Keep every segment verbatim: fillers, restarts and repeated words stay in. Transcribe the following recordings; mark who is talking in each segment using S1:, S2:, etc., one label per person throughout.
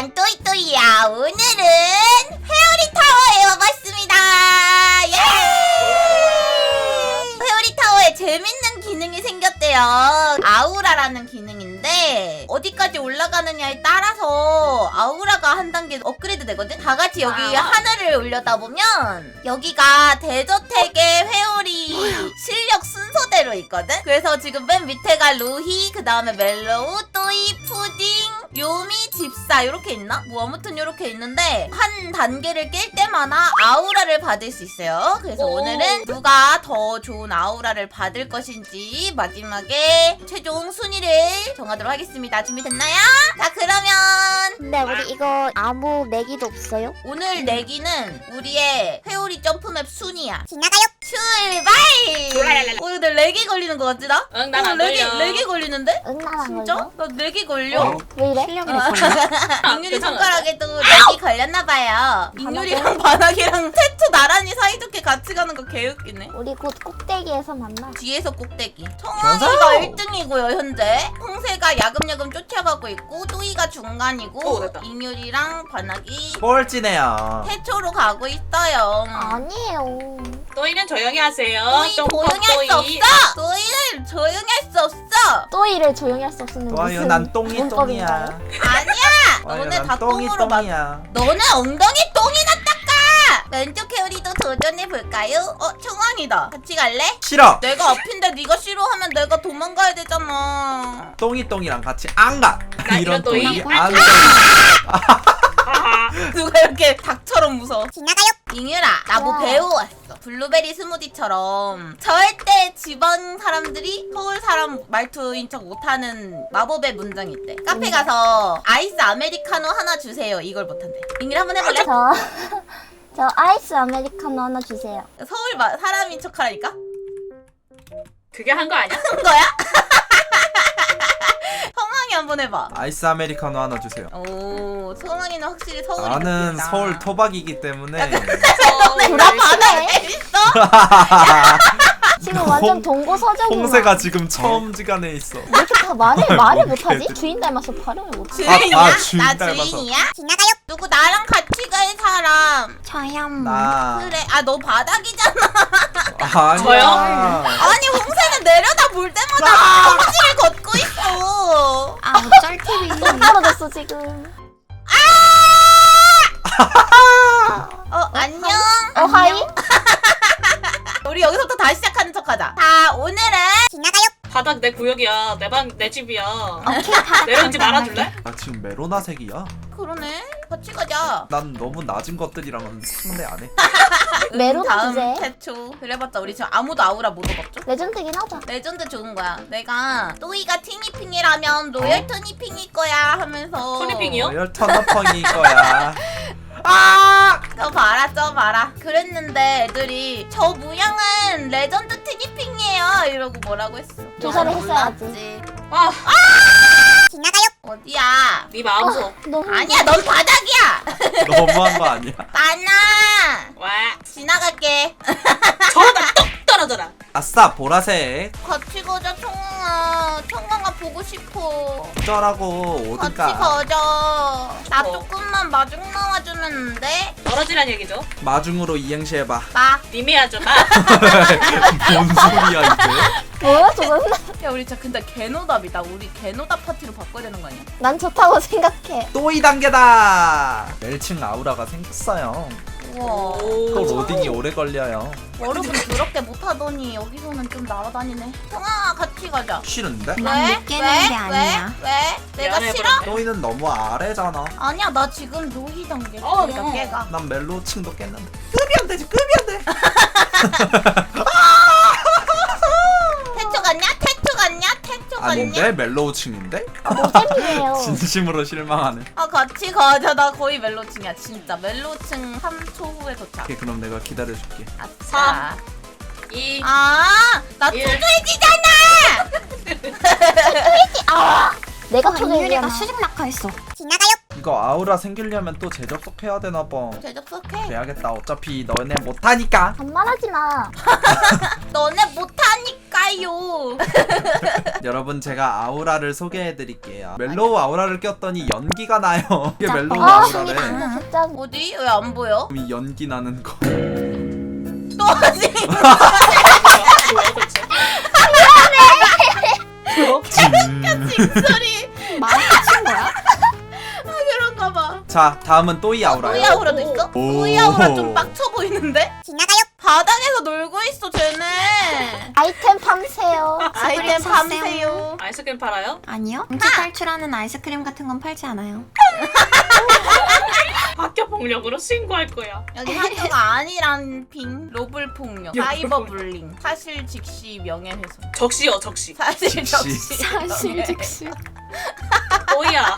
S1: 난 또이또이야. 오늘은 회오리 타워에 와봤습니다. 예! 회오리 타워에 재밌는 기능이 생겼대요. 아우라라는 기능인데 어디까지 올라가느냐에 따라서 아우라가 한 단계 업그레이드 되거든? 다 같이 여기
S2: 아.
S1: 하늘을 올려다보면 여기가 대저택의 회오리 실력 순서대로 있거든? 그래서 지금 맨 밑에가 루히, 그 다음에 멜로우, 또이, 푸딩, 요미, 집사 이렇게 있나? 뭐 아무튼 이렇게 있는데 한 단계를 깰 때마다 아우라를 받을 수 있어요. 그래서
S2: 오.
S1: 오늘은 누가 더 좋은 아우라를 받을 것인지 마지막에 최종 순위를 정하도록 하겠습니다. 준비됐나요? 자, 그러면
S3: 근데 우리 이거 아무 내기도 없어요?
S1: 오늘 내기는 우리의 회오리 점프맵 순위야.
S3: 지나가요.
S1: 출발! 어, 근데 렉이 걸리는 것 같지 나?
S2: 응, 난
S1: 어,
S2: 안
S1: 렉이,
S2: 걸려.
S1: 렉이 걸리는데?
S3: 응나랑
S1: 진짜?
S3: 걸려?
S1: 나 렉이 걸려.
S4: 어?
S3: 왜 이래?
S4: 실력이 됐거든요.
S1: 인율이
S2: 괜찮아요.
S1: 손가락에도 렉이 걸렸나봐요. 인율이랑 바닥이랑 태투 나란히 사이좋게 같이 가는 거 개웃기네.
S3: 우리 곧 꼭대기에서 만나.
S1: 뒤에서 꼭대기.
S4: 전사!
S1: 청아이가 일 등이고요 현재. 홍세가 야금야금 쫓아가고 있고 또이가 중간이고
S2: 오, 됐다.
S1: 인율이랑 바닥이
S4: 꼴찌네요.
S1: 태초로 가고 있어요.
S3: 아니에요.
S2: 또이는 조용히 하세요.
S1: 또이
S2: 똥컴
S1: 조용히 할 수
S2: 또이.
S1: 없어. 또이는 조용히 할 수 없어.
S3: 또이를 조용히 할 수 없는
S4: 좋아요,
S3: 무슨
S4: 난 똥이 똥이야.
S3: 문법인가요?
S1: 아니야.
S4: 좋아요,
S1: 너네
S4: 난
S1: 다
S4: 똥이
S1: 똥으로 막.
S4: 똥이야.
S1: 너는 엉덩이 똥이나 닦아. 왼쪽 회오리도 도전해 볼까요? 어, 청왕이다. 같이 갈래?
S4: 싫어.
S1: 내가 앞인데 네가 싫어하면 내가 도망가야 되잖아.
S4: 똥이 똥이랑 같이 안 가.
S2: 나
S4: 이런
S2: 이런 또이?
S4: 똥이 안 가.
S2: 하하.
S1: 누가 이렇게 닭처럼 무서워.
S3: 지나가요.
S1: 잉유라, 나 뭐
S3: 와.
S1: 배워왔어. 블루베리 스무디처럼 절대 지방 사람들이 서울 사람 말투인 척 못하는 마법의 문장이 있대. 카페 가서 아이스 아메리카노 하나 주세요. 이걸 못한대. 잉유라 한번 해볼래?
S3: 저, 저 아이스 아메리카노 하나 주세요.
S1: 서울 마, 사람인 척 하라니까?
S2: 그게 한 거 아니야?
S1: 한 거야? 성황이 한번 해봐.
S4: 아이스 아메리카노 하나 주세요.
S1: 오, 성황이는 확실히 서울이
S4: 나는
S1: 좋겠다.
S4: 서울 토박이기 때문에
S1: 나 바다에 있어?
S3: 지금 완전 동고서적이구나.
S4: 홍세가 지금 처음지간에 있어.
S3: 왜 이렇게 다 말을 말을
S4: 뭐
S3: 못하지?
S4: 개들.
S3: 주인 닮아서 발음을 못해.
S1: 주인이야?
S4: 아, 주인
S1: 나
S4: 닮아서.
S1: 주인이야? 지나가요? 누구 나랑 같이 갈 사람?
S3: 저요.
S4: 나
S1: 그래. 아, 너 바닥이잖아.
S4: 아니야.
S2: 저요?
S1: 아니, 홍세는 내려다 볼 때마다 성질을 걷고 있어.
S3: 아, 쩔티비. 똥 떨어졌어 지금.
S1: 어, 안녕.
S3: 어, 하이?
S1: 우리 여기서부터 다시 시작하는 척 하자. 자, 오늘은 지나가요.
S2: 바닥 내 구역이야. 내 방 내 집이야.
S3: 오케이, 다.
S2: 내려오지 말아줄래?
S4: 나 지금 메로나색이야.
S1: 그러네. 같이 가자.
S4: 난 너무 낮은 것들이랑은 상대 안 해.
S3: 메로나
S1: 다음
S3: 주제.
S1: 태초. 그래봤자 우리 지금 아무도 아우라 못 얻었죠?
S3: 레전드긴 하다.
S1: 레전드 좋은 거야. 내가 또이가 티니핑이라면 로열 토니핑일 거야 하면서
S2: 토니핑이요?
S4: 로열 터너펑일 거야. 아!
S1: 저 봐라 저 봐라 그랬는데 애들이 저 모양은 레전드 티니핑이에요 이러고 뭐라고 했어.
S3: 조사를
S1: 나
S3: 했어야지.
S1: 몰랐지.
S2: 아,
S1: 지나가요. 어디야?
S2: 네 마음속.
S3: 너무
S1: 아니야 넌 바닥이야.
S4: 너무한 거 아니야?
S1: 많아.
S2: 와.
S1: 지나갈게.
S2: 저러다 똑 떨어져라.
S4: 아싸 보라색.
S1: 같이 가자 청아. 청아가 보고 싶어.
S4: 어쩌라고
S1: 같이
S4: 오든가.
S1: 가자. 나
S2: 어.
S1: 조금만 마중 나와주면 안 돼?
S2: 떨어지란 얘기죠.
S4: 마중으로 이행시 해봐.
S1: 나.
S2: 님이 하죠 마.
S4: 뭔 소리야 이게?
S3: 뭐야 저건?
S1: 야 우리 진짜 근데 개노답이다. 우리 개노답 파티로 바꿔야 되는 거 아니야?
S3: 난 좋다고 생각해.
S4: 또 이 단계다. 멸칭 아우라가 생겼어요.
S1: 우와.
S4: 또 로딩이 오래 걸려요.
S1: 여러분 그렇게 못하더니 여기서는 좀 날아다니네. 성아 같이 가자.
S4: 싫은데?
S1: 왜?
S3: 난 못 깨는 게 아니야.
S1: 왜? 왜? 내가
S2: 미안해,
S1: 싫어?
S2: 그러네.
S4: 또이는 너무 아래잖아.
S1: 아니야 나 지금 로히 단계.
S2: 어,
S1: 그러니까
S2: 어.
S1: 걔가.
S4: 난 멜로층도 깼는데 급이 안 되지 급이 안 돼.
S1: 태초 갔냐? 태초 갔냐? 태초
S4: 아닌데
S1: 갔냐?
S4: 멜로우층인데?
S3: 노잼이에요.
S4: 진심으로 실망하네.
S1: 아 같이 가자. 나 거의 멜로층이야 진짜. 멜로층 삼 초 후에 도착.
S4: 오케이 그럼 내가 기다려줄게.
S1: 아싸.
S2: 이.
S1: 아, 나
S2: 일.
S1: 초조해지잖아.
S3: 내가 초대해야
S5: 수직 낙하했어.
S1: 지나가요.
S4: 이거 아우라 생기려면 또 재접속해야 되나봐.
S1: 대접속해.
S4: 돼야겠다. 어차피 너네 못하니까.
S3: 반말하지 마.
S1: 너네 못하니까. 싸요.
S4: 여러분 제가 아우라를 소개해드릴게요. 멜로우 아우라를 꼈더니 연기가 나요. 이게 멜로우
S3: 아,
S4: 아우라래.
S3: 근데 진짜
S1: 어디? 왜 안 보여?
S4: 이 연기 나는 거.
S1: 또 하지?
S2: 뭐야 도대체?
S1: 징소리.
S3: 많이 친 거야?
S1: 아, 그런가 봐.
S4: 자 다음은 또이 아우라요.
S1: 또이 아우라도 있어?
S4: 오.
S1: 또이 아우라 좀 빡쳐 보이는데? 지나가요. 바닥에서 놀고 있어 쟤네.
S3: 아이템 팜세요.
S1: 아이템
S5: 샀어요.
S1: 밤새요.
S2: 아이스크림 팔아요?
S5: 아니요. 공지 탈출하는 아이스크림 같은 건 팔지 않아요.
S2: 학교 폭력으로 신고할 거야.
S1: 여기 학교가 아니란 빙 로블 폭력,
S2: 야,
S1: 사이버 불링, 사실 즉시 명예훼손.
S2: 적시요 적시.
S1: 사실
S4: 즉시.
S1: 적시.
S5: 사실
S1: 명예.
S5: 즉시.
S2: 또이야.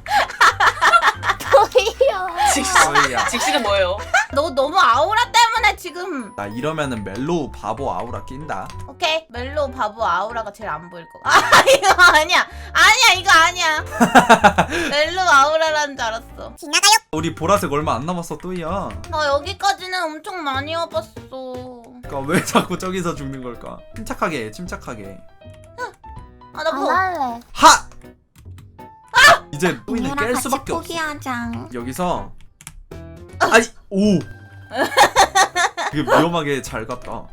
S3: 보이요.
S2: 직시.
S4: 또이야.
S2: 직시는 뭐예요?
S1: 너 너무 아우라 때문에 지금.
S4: 나 이러면은 멜로우 바보 아우라 낀다.
S1: 오케이 멜로우 바보 아우라가 제일 안 보일 거. 아 이거 아니야. 아니야 이거 아니야. 멜로우 아우라라는 줄 알았어. 지나가요.
S4: 우리 보라색 얼마 안 남았어 또이야.
S1: 나 여기까지는 엄청 많이 와봤어.
S4: 그러니까 왜 자꾸 저기서 죽는 걸까? 침착하게 침착하게.
S1: 아 나
S3: 안
S1: 뭐.
S3: 할래.
S4: 하! 이제 또이는
S5: 얘랑
S4: 깰
S5: 같이
S4: 수밖에 없어.
S5: 포기하자.
S4: 여기서 아니 오 이게 위험하게 잘 갔다.
S1: 아,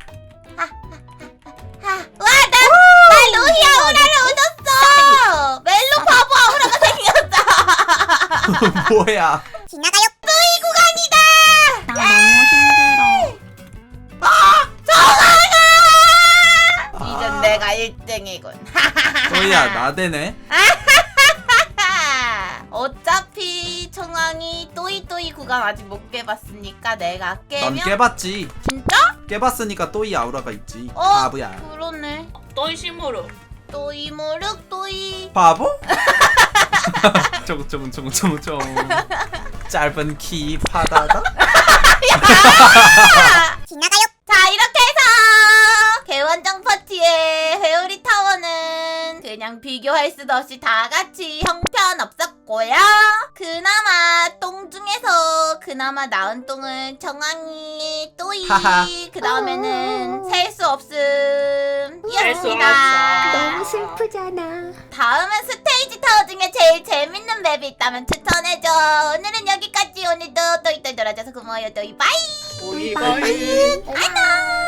S1: 와, 나, 나 루히 아우라를 얻었어! 멜로 바보 아우라가 생겼다!
S4: 뭐야?
S1: 지나가요! 루히 구간이다!
S5: 나 너무 힘들어.
S1: 이젠
S4: 아,
S1: 내가 일 등이군.
S4: 또이야 나대네.
S1: 어차피 청왕이 또이또이 구간 아직 못 깨봤으니까 내가
S4: 넌
S1: 깨면
S4: 깨봤지.
S1: 진짜?
S4: 깨봤으니까 또이 아우라가 있지.
S1: 어?
S4: 바보야.
S1: 그러네.
S2: 또이 심으로.
S1: 또이 무륵 또이.
S4: 바보? 쪼글쪼글쪼글쪼글 짧은 키 파다다.
S1: 지나가요. 자 이렇게 해서 개원정 파티의 회오리 타워는 그냥 비교할 수도 없이 다 같이 형편없었고요. 그나마 똥 중에서 그나마 나은 똥은 정황이 또이
S4: 하하.
S1: 그 다음에는 셀 수 없음
S2: 셀수
S1: 이었습니다.
S5: 너무 슬프잖아.
S1: 다음은 스테이지 타워 중에 제일 재밌는 맵이 있다면 추천해줘. 오늘은 여기까지. 오늘도 또이또이 놀아줘서 고마워요. 또이 바이.
S2: 또이 바이.
S3: 안녕.